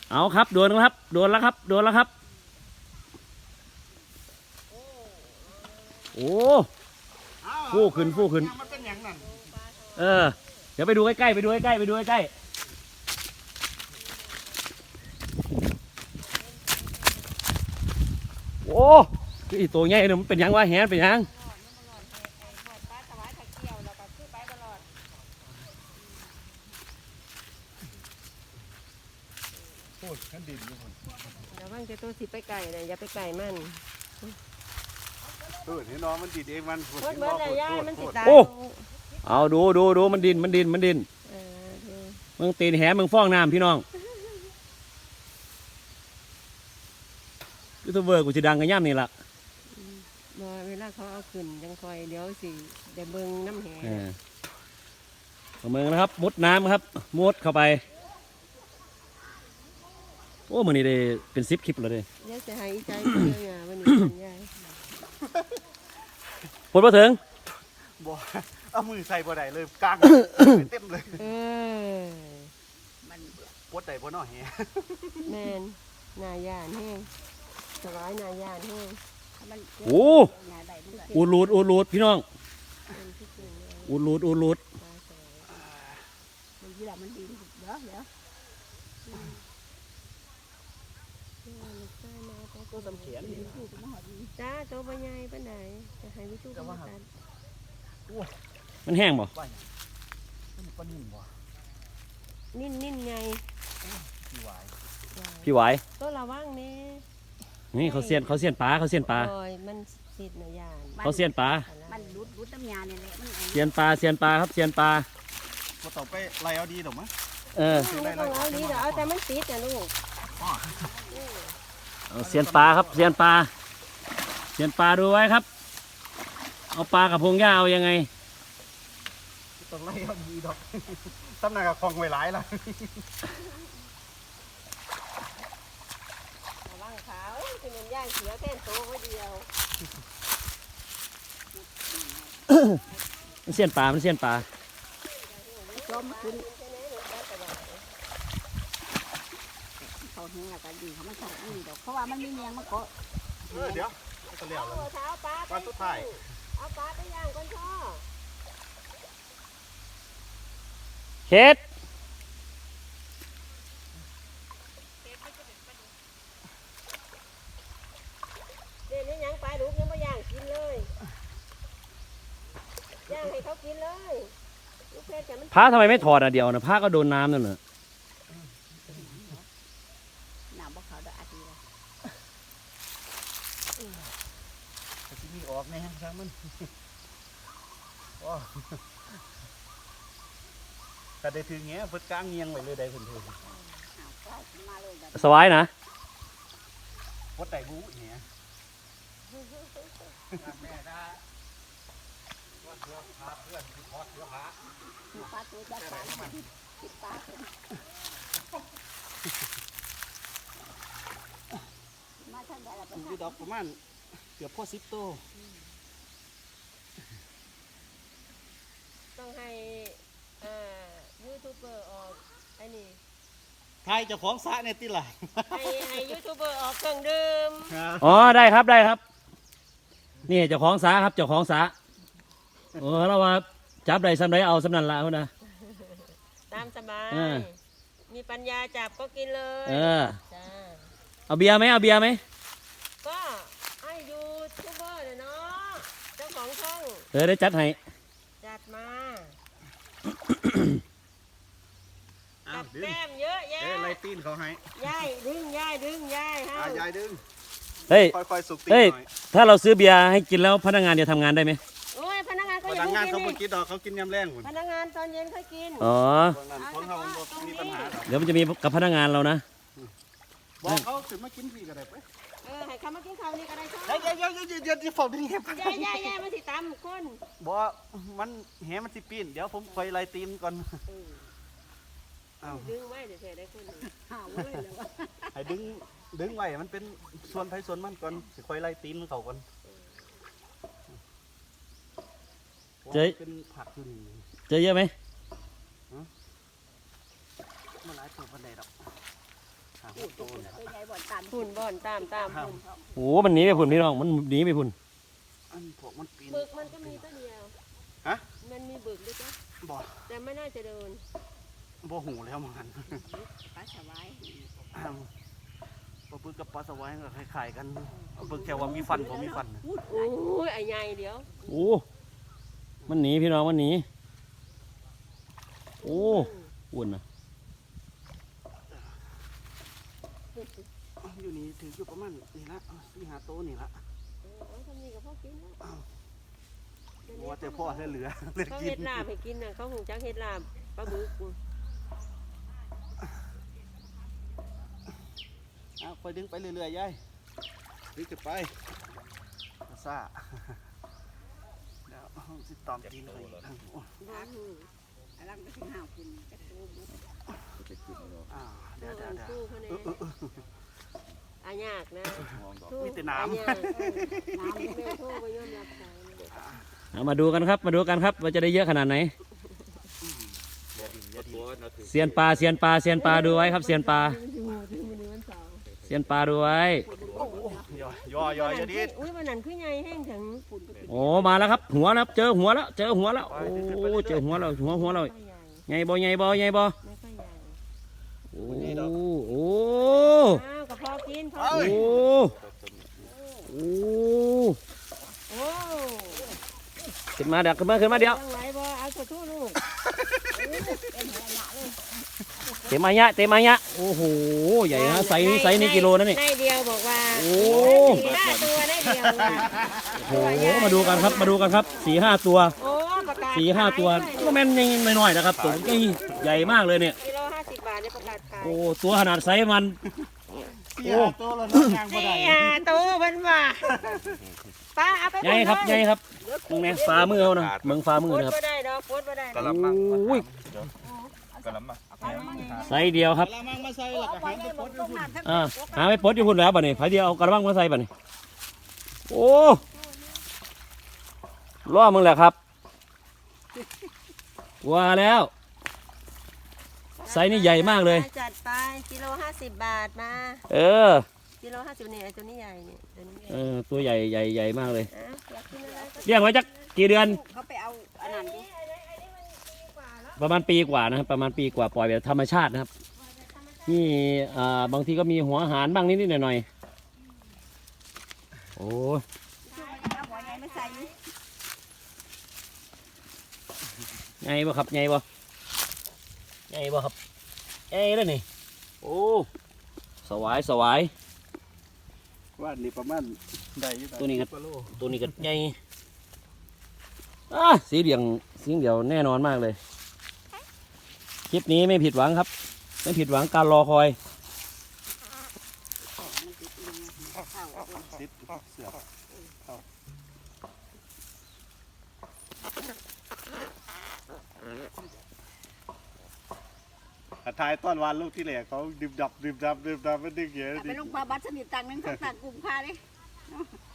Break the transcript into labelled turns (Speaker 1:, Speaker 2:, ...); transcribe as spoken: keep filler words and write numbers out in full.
Speaker 1: เอาครับโดนแล้วครับโดนแล้วครับโดนแล้วครับโอ้ฟู่ขึ้นฟู่ขึ้นเออเดี๋ยวไปดูใกล้ๆไปดูใกล้ๆไปดูใกล้ๆโอ้อีตัวใหญ่เนี่ยมันเป็นยังวะแหนเป็นยัง
Speaker 2: โคตรขันดินอยู่คน
Speaker 3: เดี๋ยวว่างจะตัวสิไปไก่เลยอย่าไปไก่มัน
Speaker 2: เออเห็นน้องมันดินเองมัน
Speaker 3: โคตรเมื่อไรย่ามันติดตา
Speaker 1: เอาดูดูดูมันดินมันดินมันดินมึงตีนแหมึงฟ้องน้ำพี่น้องยูทูบเบอร์กูจะดังกันย่ำนี่ละ
Speaker 3: บ่เวลาเขาเอาขึ้นยังคอยเดี๋ยวสิเดี๋ยวเบิ่งน้ำแหง
Speaker 1: เอามือนะครับมุดน้ำครับมุดเข้าไปโอ้มือนี้ได้เป็นซิปคลิปเลยเ
Speaker 3: ดี๋ยวจะหายใจเยอะๆวันนี้ยาย
Speaker 1: พูดมาถึง
Speaker 2: บ่เอามือใส่บ่ได้เลยกลางเต็มเลย
Speaker 3: เออ
Speaker 2: มันปวดใดบ่น้อแฮ
Speaker 3: แมนนายานแห้งสบายนายานแห้ง
Speaker 1: โอ้อูรูดอูรูดพี่น้องอูรูดอูรูด
Speaker 3: มันยี่หล่ะมันดีเดี๋ยวเดี๋ยว
Speaker 2: ตัวสำเขียน
Speaker 3: จ้าตัวใบใหญ่ปานใดจะให้วิจูกัน
Speaker 1: มันแห้งบ่
Speaker 2: มันนิ่มบ่
Speaker 3: นิ่มนิ่มไง
Speaker 2: พี่ไหว
Speaker 1: พี่ไหว
Speaker 3: ตัวระวังนี่
Speaker 1: นี่เขาเสียนเขาเสียนปลาเขาเสียนปลา
Speaker 3: มันสิทธิ์นายาน
Speaker 1: เขาเสียนปลา
Speaker 3: มันรุดรุดน้ำยาเนี่ยแหละมัน
Speaker 1: เสียนปลาเสียนปลาครับเสียนปลา
Speaker 2: พอต่อไปไล่เอาดีดอกมั้ย
Speaker 1: เออ
Speaker 3: ไม่ต้องเอาดีเดี๋ยวเอาแต่มันติดนะลูก
Speaker 1: เอาเสียนปลาครับเสียนปลาเสียนปลาดูไว้ครับเอาปลากับพงหญ้าเอายังไง
Speaker 2: ต้องไล่เอาดีดอกตำหนักกับคลองไว้หลายละ
Speaker 3: ระวังเขาคือมันย่างเสียแค่โตไว้เดียว
Speaker 1: มันเสียนปลามันเสียนปลา
Speaker 3: ล้มขึ้นเขาแห้งกันดีเขาไม่ชอบดีดอกเพราะว่ามันมีเนียงมันก็
Speaker 2: เออเดี๋ยวก็เลี้ยวเลยปลาสุดท้าย
Speaker 3: เอาปลาไปย่างก่อนพ่อ
Speaker 1: เฮ็ด
Speaker 3: เดี๋ยวนี้ยังปลาดุกยังไม่ย่างกินเลยย่างให้เขากินเลย
Speaker 1: ผ้าทำไมไม่ถอดอ่ะเดียวนะผ้าก็โดนน้ำนั่นน่ะ
Speaker 3: น้ำบ่เขาได้อาทิตย์ละ
Speaker 2: แต่ที่นี่ออกแน่ช่างมันแต่ได้ถือเงี้ยเพิ่งกลางเงียงไว้เลยได้เพิ่นเพิ่น
Speaker 1: สบายนะ
Speaker 2: วัดไต่บู๊เงี้ยแม่ได้วัดเสือพาเพื่อนที่พอดเสือพา
Speaker 3: ปลาตัวจะปลาปลามาทางใดล่ะ
Speaker 2: อยู่ดอกประมาณเกือบพอสิบโต
Speaker 3: ต้องให้ยูทูบเบอร์ออกไอ้นี่
Speaker 2: ไทยเจ้าของสระเนี่ยติล่ะ
Speaker 3: ให้ให้ยูทูบเบอร์ออกเครื่องดื่ม
Speaker 1: อ๋อได้ครับได้ครับนี่เจ้าของสระครับเจ้าของสระโอ้เราว่าจับได้สำไรเอาสำนันละเขานะ
Speaker 3: ตามสบายมีปัญญาจับก็กินเลย
Speaker 1: เออเอาเบียร์ไหมเอาเบียร์ไหม
Speaker 3: ก็ให้ยูทูบเบอร์เนาะเจ้าของช่อง
Speaker 1: เออได้จัดให้
Speaker 3: จัดมาจัดแก้มเยอะแยะ
Speaker 2: ไล่ตีนเขาให้
Speaker 3: ย่ายดึงย่ายดึงย่ายให้
Speaker 2: ย่ายดึง
Speaker 1: เฮ้ย
Speaker 2: ค่อยๆสุกตีน
Speaker 1: หน่อยถ้าเราซื้อเบียร์ให้กินแล้วพนักงานจะทำงานได้ไหม
Speaker 3: โอ้ยพนักงานก็
Speaker 2: พนักงานเขาไม่กินดอกเขากินยำแรงหมด
Speaker 3: พนักงานตอนเย็นค่อยกิน
Speaker 1: อ๋อ
Speaker 2: ของเขามีปัญหา
Speaker 1: เดี๋ยวมันจะมีกับพนักงานเรานะ
Speaker 2: บอกเขาถึงมากินฟรีก็ได้ไป
Speaker 3: เออให้เขามากินข้าวนี่ก็ได้ช่
Speaker 2: ไหมเดี๋ยวเดี๋ยวเดี๋ยวเดี๋ยวจะฝากดึงแห
Speaker 3: ย่าย่าย่ามันสิตามคน
Speaker 2: บอกมันแหมันสิปีนเดี๋ยวผมคอยไล่ตีนก่อน
Speaker 3: ดึงไว้เดี๋ยวเธอได้คนหาไว้แล้วว่า
Speaker 2: ให้ดึงดึงไว้มันเป็นส่วนไผ่ส่วนมันก่อนสิคอยไล่ตีนเขาก่อน
Speaker 1: เจ๊
Speaker 2: เป็นผักอยู่นี่
Speaker 1: เจ๊เยอะไหม
Speaker 2: มันหลายตัวพันใดดอกหา
Speaker 4: พูด
Speaker 2: โต
Speaker 4: พูด
Speaker 2: เนี่ย
Speaker 4: ตัวใหญ่บ่อนตาม
Speaker 3: ฝุ่นบ่อนตามตามฝุ่น
Speaker 1: โอ้มันหนีไปพุ่นพี่น้องมันหนีไปพุ่น
Speaker 2: อันพวกมันปีน
Speaker 3: บึกมันก็มีตัวเดียว
Speaker 2: ฮะ
Speaker 3: มันมีบึกด้วยจ้ะ
Speaker 2: บ่
Speaker 3: แต่ไม่น่าจะเดิน
Speaker 2: บ่หูแล้วมัน
Speaker 4: ปลาสวาย
Speaker 2: ปลาบึกกับปลาสวายก็คล้ายๆกันเอาบึกแค่ว่ามีฟันผมมีฟัน
Speaker 4: พูด
Speaker 3: โอ้ยไอ้ใหญ่เดี๋ยว
Speaker 1: โอ้มันหนีพี่น้องมันหนีโอ้อ้วนนะ
Speaker 2: อยู่นี่ถืออยู่ประมาณนี่ละสี่ห้าโตนี่ละ
Speaker 3: เออเอาทำนี่กับพ่อกินแล้ว
Speaker 2: ว่าแต่พ่อเหลือเหลือ
Speaker 3: เขา
Speaker 2: กิ
Speaker 3: เฮ็
Speaker 2: น
Speaker 3: ดลาบให้กินน่ะเขาหูจักเฮ็ดลาบปลาบึก
Speaker 2: เอาคอยดึงไปเรื่อยๆยายดึงจะไปซ่าเดี๋ยวสิตอมตีนเลย
Speaker 4: อลังก็ถึงห้าวกินกระโตบุก
Speaker 2: อ่าเดี๋ยวเดี๋ยวเดี๋ยว
Speaker 3: สู้เขาเนี่ยอายากนะ
Speaker 2: มีแต่น้ำ
Speaker 3: อายากเออน้ำแม่โทษไปยอมรับสายเลย
Speaker 1: เอามาดูกันครับมาดูกันครับว่าจะได้เยอะขนาดไหนเซียนปลาเซียนปลาเซียนปลาดูไว้ครับเซียนปลาเซียนปลาดูไว้
Speaker 2: ย่อย่อย่อย่อดิ
Speaker 3: อุ้ยวันนั้นคือใหญ่แห้งถึง
Speaker 1: โอ้มาแล้วครับหัวแล้วเจอหัวแล้วเจอหัวแล้วโอ้เจอหัวแล้วหัวหัวเรา
Speaker 3: ไม่ค่อยใหญ่
Speaker 1: ใหญ่บ่ใหญ่บ่ใหญ่บ่
Speaker 3: ไม่ค่อยใหญ่
Speaker 1: โอ้โอ้
Speaker 3: อ้าวกับพ่อกินพ่อ
Speaker 1: โอ้
Speaker 3: กิน
Speaker 1: โอ้
Speaker 3: โอ้
Speaker 1: ขึ้นมาเดี๋ยวขึ้นมาขึ้นมาเดี๋ยว
Speaker 3: ยังไหวบ่เอาขอโทษลูก
Speaker 1: เตะมายะเตะมายะโอ้โหใหญ่นะไซส์นี้ไซส์นี้กิโลนะนี่
Speaker 3: ได้เดียวบอกว่า
Speaker 1: โอ้
Speaker 3: สี่ห้าตัวได้เดียวว่ะ
Speaker 1: โอ้โหมาดูกันครับมาดูกันครับสี่ห้าตัว
Speaker 3: โอ้ประกาศ
Speaker 1: สี่ห้าตัวก็แม่นยังน้อยๆนะครับตัวใหญ่ใหญ่มากเลยเนี่ย
Speaker 3: กิโลห้าสิบบาทเนี่ยประกาศขาย
Speaker 1: โอ้ตัวขนาดไซส์มัน
Speaker 2: สี่ห้าโตแล้วน้องยางบ่
Speaker 3: สี่
Speaker 2: ได้
Speaker 3: ห้าตัวมันว่าป้าเอาไป
Speaker 1: ใหญ่ครับใหญ่ครับมึงเนี่ยฝ่ามือเขานะเมืองฝ่ามือ
Speaker 3: โคต
Speaker 1: นะครับ
Speaker 3: รบ่ได้ดอกโคตรบ่ได้
Speaker 5: กะละมัง
Speaker 1: โอ้ย
Speaker 5: กะละมัง
Speaker 1: ไซส์เดียวครับ
Speaker 2: กะละมังมาใส่แล้วก็หางไปปลดอยู่พุ่น
Speaker 1: อ่าหาไม่ปลดอยู่พุ่นแล้วบ่เนี่ยไผเดียวเอากระบังมาใส่บ่เนี่ยโอ้ล่อมึงแหละครับว่าแล้วไซส์นี่ใหญ่มากเลย
Speaker 3: จัดไปกิโลห้าสิบบาทมา
Speaker 1: เออ
Speaker 3: กิโลห้าสิบเนี่ยไอ้ตัวนี้ใหญ่เนี่ยตัวนี้ใหญ่
Speaker 1: เออตัวใหญ่ใหญ่ใหญ่มากเลย
Speaker 3: อ่ะอยากกินอะไรก็
Speaker 1: เลี้ยงไว้จักกี่เดือน
Speaker 4: เขาไปเอาอันนั้นดิ
Speaker 1: ประมาณปีกว่านะครับประมาณปีกว่าปล่อยแบบธรรมชาตินะครับนี่อ่าบางทีก็มีหัวอาหารบ้างนิดๆหน่อยๆโอ้ย
Speaker 4: เอาหัวใหญ่ไม่ใส่
Speaker 1: ไงบ่ครับไงบ่ไงบ่ครับไงแล้วนี่โอ้สวายสวาย
Speaker 2: ว่านี่ประมาณได้อยู่
Speaker 1: ตัวนี้ก็
Speaker 2: สิบว่าโล
Speaker 1: ตัวนี้ก็ไงอ่ะสีเหลืองสีเหลืองแน่นอนมากเลยคลิปนี้ไม่ผิดหวังครับ ไม่ผิดหวังการรอคอย
Speaker 2: ติดเสือกอาทายต้อนวานลูกที่แหลกเขาดิบดับดิบดับดิบดับไม่ดึงเหี้ย
Speaker 4: ไป
Speaker 2: ดิ
Speaker 4: ลงปลาบัตรสนิทตังนึงเขาตังกลุ่มค่าดิ